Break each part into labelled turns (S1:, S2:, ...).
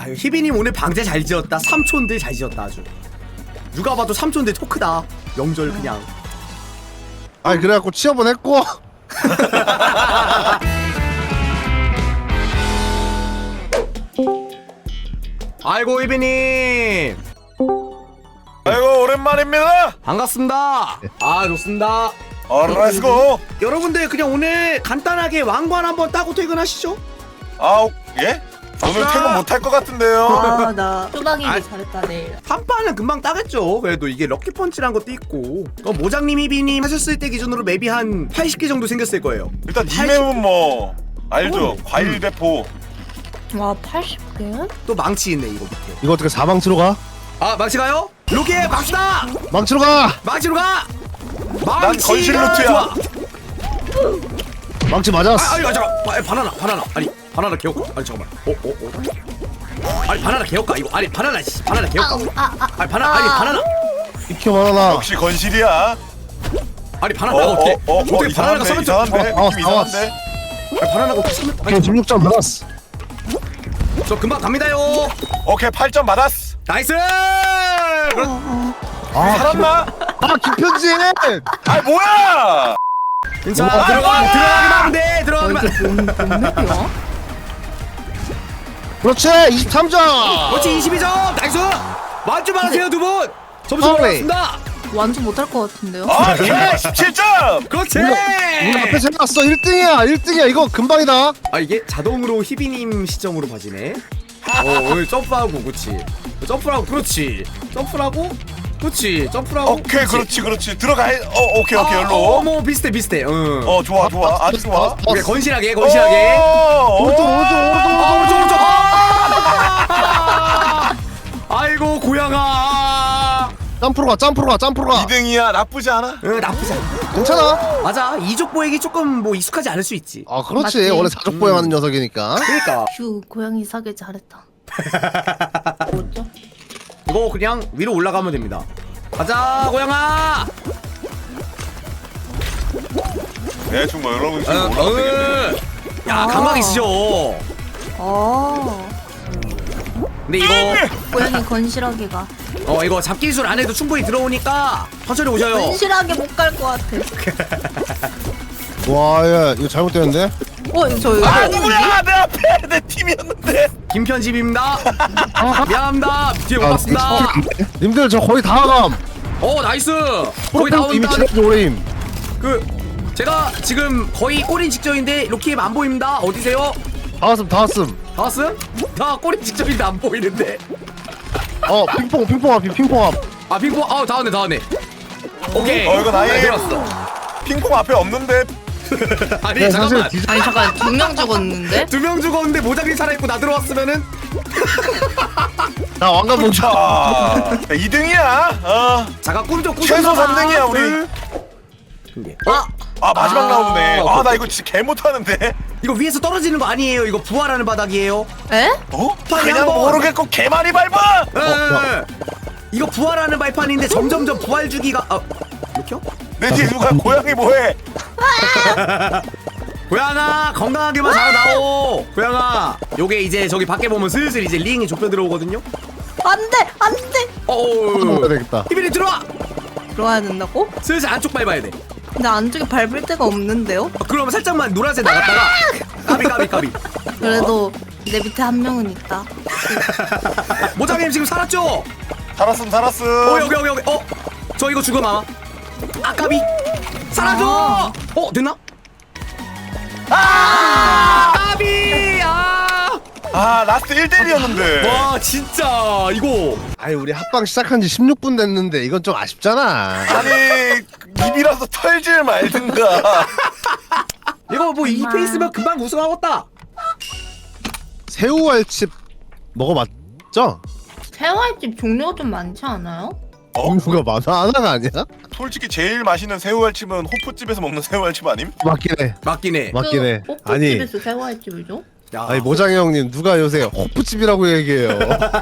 S1: 희비님 오늘 방제 잘 지었다. 삼촌들 잘 지었다 아주. 누가 봐도 삼촌들 토크다. 명절 그냥.
S2: 아니 그래갖고 취업은 했고.
S1: 아이고 희비님.
S3: 아이고 오랜만입니다.
S1: 반갑습니다. 아 좋습니다.
S3: 렛츠고.
S1: 여러분들 그냥 오늘 간단하게 왕관 한번 따고 퇴근하시죠.
S3: 아 예? 오늘 퇴근 못할 것 같은데요.
S4: 나 쪼박이기
S1: 아.
S4: 잘했다 내일.
S1: 한판은 금방 따겠죠. 그래도 이게 럭키펀치란 것도 있고. 모장님 희비님 하셨을 때 기준으로 맵이 한 80개 정도 생겼을 거예요.
S3: 일단 이 맵은 뭐 알죠?
S1: 어.
S3: 과일 대포.
S4: 와 80개?
S1: 또 망치 있네 이거 밑에.
S2: 이거 어떻게 사망치로 가?
S1: 아 망치 가요? 로켓 망치다.
S2: 망치로 가!
S1: 망치로 가.
S3: 난 건실 루트야.
S1: 좋아.
S2: 망치 맞았어.
S1: 아니 잠깐. 바나나. 아니 바나나 개혁가. 아니 잠깐만. 아니 바나나 개혁가 이거. 아니 바나나 개혁가. 아니 바나나.
S2: 비켜 바나나.
S3: 역시 건실이야.
S1: 아니 바나나가 어떻게 바나나가
S3: 이상한데
S1: 서면
S3: 이상한데 느낌 이상한데.
S1: 아니 바나나가 어떻게 서면
S2: 비켜 16점 받았어.
S1: 저 금방 갑니다요.
S3: 오케이 8점 받았어.
S1: 나이스.
S3: 살았나?
S2: 김편지!
S3: 아 뭐야?
S1: 자 들어가기만 하면 돼. 들어가기만.
S4: 몇
S2: 그렇지 23점!
S1: 그렇지 22점. 나이스. 만점 받으세요 두 분. 점수
S2: 허리.
S1: 올랐습니다.
S4: 완전 못할 것 같은데요?
S3: 오케이 17점.
S1: 그렇지.
S2: 우리 앞에 생각났어 1등이야 이거 금방이다.
S1: 아 이게 자동으로 희비님 시점으로 봐지네. 오늘 점프하고 그렇지. 점프하고 그렇지. 점프하고 그렇지. 점프하고.
S3: 오케이 그렇지 들어가. 오케이 열로.
S1: 뭐 비슷해. 응.
S3: 좋아 아주 좋아.
S1: 오케이, 건실하게.
S2: 오른쪽
S1: 오른쪽. 아이고 고양아.
S2: 점프로 가
S3: 2등이야 나쁘지 않아.
S1: 나쁘지 않아.
S2: 괜찮아.
S1: 맞아. 이족 보액이 조금 뭐 익숙하지 않을 수 있지.
S2: 아 그렇지
S4: 맞지?
S2: 원래 사족 보행하는 녀석이니까.
S1: 그러니까
S4: 휴 고양이 사길 잘했다. 뭐죠?
S1: 이거 그냥 위로 올라가면 됩니다. 가자 고양아.
S3: 대충 뭐 여러분 지금 올라가면 되겠네.
S1: 야 감각 있으셔. 근데 이거
S4: 고양이 건실하게 가.
S1: 이거 잡기술 안 해도 충분히 들어오니까 천천히 오셔요.
S4: 건실하게 못 갈 것 같아.
S2: 와야 이거 잘못되는데?
S4: 저
S3: 아 누구야 내 앞에 내 팀이었는데.
S1: 김편집입니다. 미안합니다. 뒤에 못 봤습니다.
S2: 님들 저 거의 다 감.
S1: 나이스. 거의
S2: 이미
S1: 나온다.
S2: 지나지 오래임.
S1: 제가 지금 거의 꼬린 직전인데 로키엠 안 보입니다. 어디세요?
S2: 다 왔음.
S1: 다 왔음? 나 꼬린 직전인데 안 보이는데.
S2: 핑퐁 앞이 핑퐁 앞.
S1: 아 빙봉. 다 왔네. 오케이.
S3: 이거 나이
S1: 들어왔어.
S3: 핑퐁 앞에 없는데.
S1: 아니
S2: 네,
S1: 잠깐만.
S2: 사실
S4: 아니 잠깐 2명 죽었는데?
S1: 2명 죽었는데 모자리 살아있고 나 들어왔으면은.
S2: 나 왕관 못 차.
S3: 자 2등이야.
S1: 자가 꿈좀
S3: 최소 3등이야 우리. 마지막 라운드네. 나 이거 진짜 개 못하는데.
S1: 이거 위에서 떨어지는 거 아니에요. 이거 부활하는 바닥이에요.
S4: 에?
S3: 그냥
S1: 한번.
S3: 모르겠고 개 많이 밟아.
S1: 이거 부활하는 발판인데 점점점 부활 주기가 이렇게요?
S3: 내 뒤에 누가 고양이 뭐해?
S1: 고양아 건강하게만 자라나오. 고양아 요게 이제 저기 밖에 보면 슬슬 이제 링이 좁혀 들어오거든요.
S4: 안돼.
S2: 먹어야 되겠다.
S1: 희빈이 들어와.
S4: 들어와야 된다고?
S1: 슬슬 안쪽 밟아야 돼.
S4: 근데 안쪽에 밟을 데가 없는데요?
S1: 그러면 살짝만 노란색 나갔다가 까비.
S4: 그래도 내 밑에 한 명은 있다.
S1: 모장님 지금 살았죠?
S3: 살았음.
S1: 여기 저 이거 죽음 아마. 까비 살아줘. 됐나? 까비.
S3: 라스트 1대1이었는데.
S1: 와 진짜 이거.
S2: 아니 우리 합방 시작한 지 16분 됐는데 이건 좀 아쉽잖아.
S3: 아니 입이라서 털질 말든가.
S1: 이거 뭐 이 페이스면 금방 우승하겠다.
S2: 새우알칩 먹어봤죠?
S4: 새우알집 종류가 좀 많지 않아요?
S2: 누가 많아? 하나가 아니야?
S3: 솔직히 제일 맛있는 새우알찜은 호프집에서 먹는 새우알찜 아님?
S2: 맞긴 해. 아니
S4: 호프집에서 새우알집을 줘?
S2: 아니 모장이 형님 누가 요새 호프집이라고 얘기해요.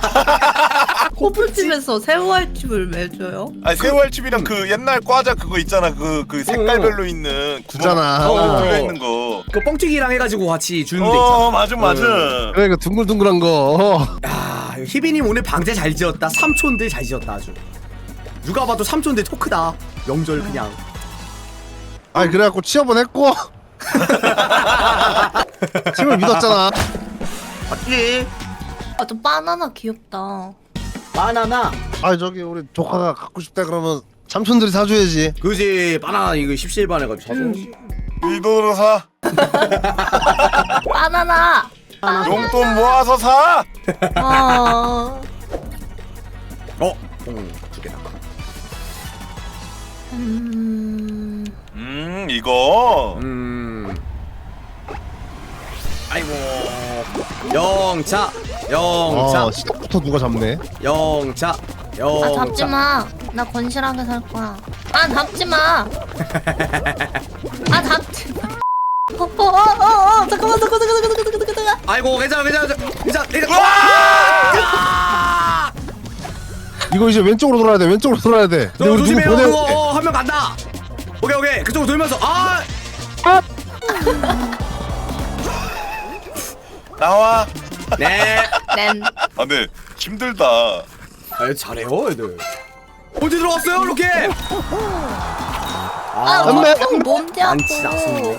S4: 호프집에서 새우알집을 왜 줘요?
S3: 아니 새우알찜이랑 그 옛날 과자 그거 있잖아. 그 색깔별로 있는
S2: 있잖아.
S3: 뚫려 있는 거.
S1: 그 뻥튀기랑 해가지고 같이 주는 데 있잖아.
S3: 맞아.
S2: 그러니까 둥글둥글한 거.
S1: 야 야 희빈님 오늘 방제 잘 지었다. 삼촌들 잘 지었다 아주. 누가 봐도 삼촌들 토크다. 명절 그냥.
S2: 아니 그래갖고 취업은 했고 팀을 믿었잖아.
S1: 맞지?
S4: 아저 바나나 귀엽다.
S1: 바나나.
S2: 아 저기 우리 조카가 갖고 싶다 그러면 삼촌들이 사줘야지.
S1: 그지 바나나 이거 17반 해가지고 사서.
S3: 이 돈으로 사.
S4: 바나나.
S3: 용돈 모아서 사.
S1: 두 개다.
S3: 이거.
S1: 아이고. 영차. 영차.
S2: 시작부터 누가 잡네.
S1: 영차.
S4: 아
S1: 영차.
S4: 잡지 마. 나 건실하게 살 거야. 아 잡지 마. 아 잡지 마. 잠깐만.
S1: 아이고 괜찮아.
S2: 이거 이제 왼쪽으로 돌아야 돼. 왼쪽으로 돌아야 돼. 근데 우리 누구
S1: 조심해요.
S2: 보내.
S1: 한 명 간다. 오케이. 그쪽으로 돌면서
S3: 나와.
S1: 네.
S4: 렌.
S3: 아 근데 힘들다.
S1: 아 잘해요 애들. 어디 들어갔어요 이렇게?
S4: 아
S2: 안돼.
S4: 몸대
S1: 안치
S4: 아고.
S1: 않습니다.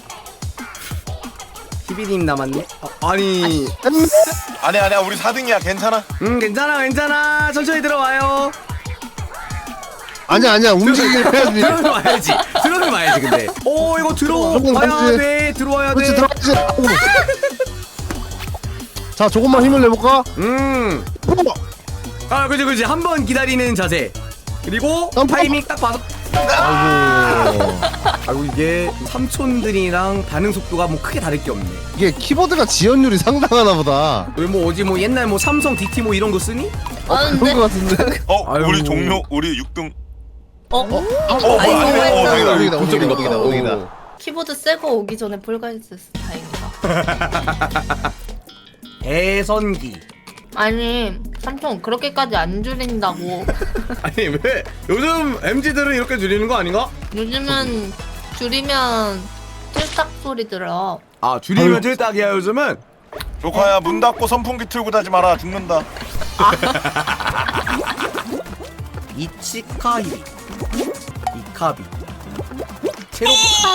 S1: 희비님 남았네. 아니.
S3: 아니야 우리 4등이야 괜찮아.
S1: 괜찮아. 천천히 들어와요.
S2: 아니야 움직이긴 해야지.
S1: 들어가야지 근데. 오 이거
S2: 조금
S1: 들어와야
S2: 감지.
S1: 돼. 들어와야
S2: 그렇지
S1: 돼.
S2: 들어가지. 자 조금만 힘을 내볼까?
S1: 아 그지 한 번 기다리는 자세. 그리고
S2: 점프.
S1: 타이밍 딱 봐서. 아이고 이게 삼촌들이랑 반응 속도가 뭐 크게 다를 게 없네.
S2: 이게 키보드가 지연율이 상당하나 보다.
S1: 왜 뭐 어디 뭐 옛날 뭐 삼성 DT 뭐 이런 거 쓰니?
S2: 그런 거 같은데.
S3: 우리
S1: 아이고.
S3: 종료 우리 6등.
S2: 오기다.
S4: 키보드 새거 오기 전에 불가했었어. 다행이다.
S1: 대선기.
S4: 아니 삼촌 그렇게까지 안 줄인다고.
S1: 아니 왜 요즘 MZ들은 이렇게 줄이는 거 아닌가?
S4: 요즘은 줄이면 찔딱 소리 들어.
S1: 아 줄이면 찔딱이야 요즘은.
S3: 조카야 문 닫고 선풍기 틀고 자지 마라 죽는다.
S1: 이치카이 이카비 체로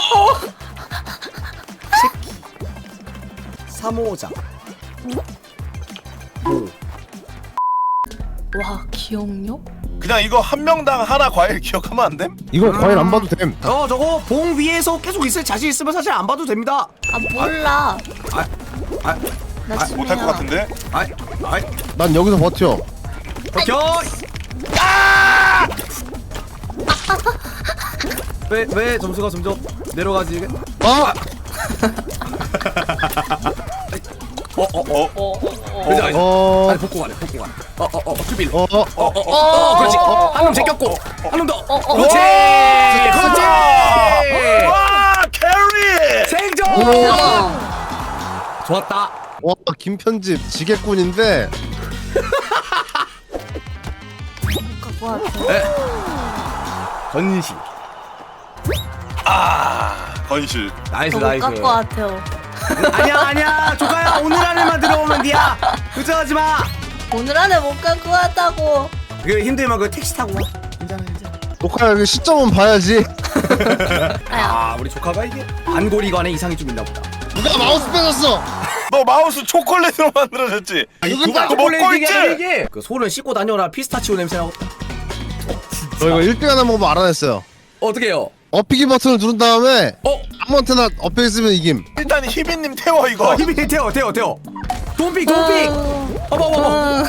S1: 체키 사모자
S4: 와 기억력?
S3: 그냥 이거 한 명당 하나 과일 기억하면 안 됨?
S2: 이거 과일 안 봐도 됨.
S1: 저거 봉 위에서 계속 있을 자신 있으면 사실 안 봐도 됩니다.
S4: 아 몰라. 나
S3: 못할 것 같은데?
S1: 아이
S2: 난 여기서 버텨.
S1: 버텨. 왜 점수가 점점 내려가지 이게?
S2: 아!
S1: 그지? 아니 복구 가네. 주빌. 그렇지. 한 놈 제꼈고 한 놈 더. 그렇지. 그렇지.
S3: 와 캐리!
S1: 생존. 좋았다.
S2: 와 김편집 지게꾼인데.
S4: 갖고 왔어.
S1: 건실.
S3: 건실.
S1: 나이스.
S4: 갖고 같아요.
S1: 아니야. 조카야 오늘 안에만 들어오면 돼야. 걱정하지 마.
S4: 오늘 안에 못 갖고 왔다고.
S1: 그 힘들면 그 택시 타고 와. 괜찮아.
S2: 조카야 그 시점은 봐야지.
S4: 아야.
S1: 우리 조카가 이게 안고리관에 이상이 좀 있나 보다.
S2: 누가 마우스 빼놨어?
S3: 너 마우스 초콜릿으로 만들어졌지?
S2: 누가
S3: 그거 먹고 있지?
S1: 이게 그 손을 씻고 다녀라. 피스타치오 냄새 나고.
S2: 저 이거 1등 하나 먹으면 알아냈어요.
S1: 어떻게 해요?
S2: 업히기 버튼을 누른 다음에 아무한테나 업혀 있으면 이김.
S3: 일단 희빈님 태워 이거.
S1: 힘이 태워. 돈픽. 어머.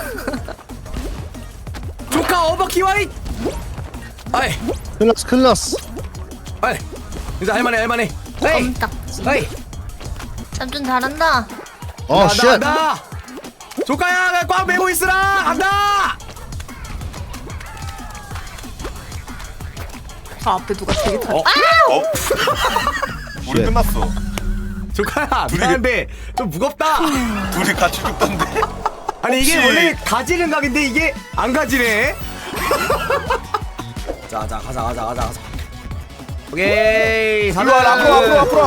S1: 조카 어버 키와이. 아이.
S2: 클라스.
S1: 아이. 이제 할만해. 에이.
S4: 껌딱지.
S1: 에이.
S4: 삼촌 잘한다.
S2: 쉣.
S1: 나. 조카야 꽉 메고 있으라. 간다.
S4: 저 앞에 누가 되게 잘.
S3: 우리
S2: 쉣.
S3: 끝났어.
S1: 조카야 미안한데 좀 무겁다.
S3: 둘이 같이 죽던데.
S1: 아니 이게
S3: 혹시-
S1: 원래 가지는 각인데 이게 안 가지네. 자 가자. 오케이.
S3: 이리 와 앞으로.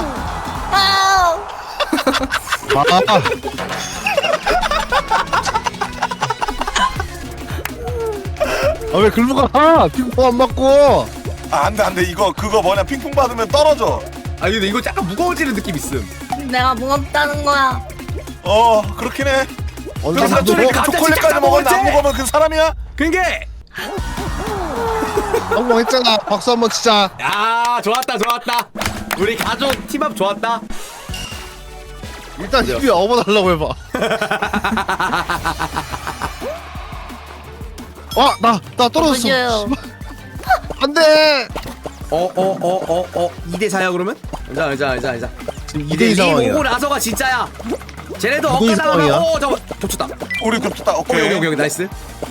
S4: 아.
S2: 왜 글로 가? 핑퐁 안 맞고.
S3: 아 안돼 이거 그거 뭐냐 핑퐁 받으면 떨어져.
S1: 아 근데 이거 약간 무거워지는 느낌 있음.
S4: 내가 무겁다는 거야.
S3: 그렇긴 해.
S2: 언제
S3: 그래서
S2: 사도
S1: 갑자기
S3: 초콜릿까지 먹었는데 안 먹으면 그 사람이야?
S1: 그게.
S2: 성공했잖아. 박수 한번 치자.
S1: 야 좋았다 좋았다. 우리 가족 팀업 좋았다.
S2: 일단 희비 업어달라고 해봐. 나 떨어졌어.
S4: 보여요.
S2: 안돼.
S1: 2대 4야 그러면? 자.
S2: 지금 2대2 상황이야.
S1: 오고 나서가 진짜야. 쟤네도
S2: 2대2
S1: 엇가당하면
S2: 상황이야.
S1: 잠깐 겹쳤다.
S3: 우리 겹쳤다. 오케이.
S1: 오케이 나이스.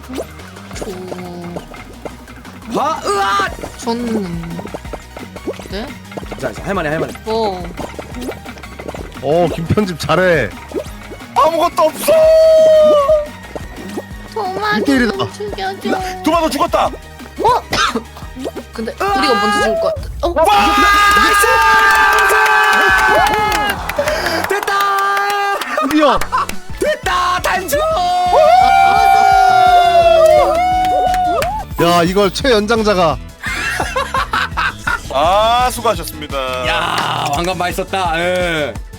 S1: 으아!
S4: 네?
S1: 자 할만해.
S4: 뭐?
S2: 김편집 잘해.
S3: 아무것도 없어.
S4: 도마
S2: 이때리다.
S4: 좀 죽여줘.
S3: 도마도 죽었다.
S4: 근데 우리가 먼저 죽을 것 같아.
S1: 나이스! 됐다!
S2: 드디어.
S1: 됐다! 단축!
S2: 야 이걸 최연장자가.
S3: 수고하셨습니다.
S1: 야, 왕관 맛있었다. 예.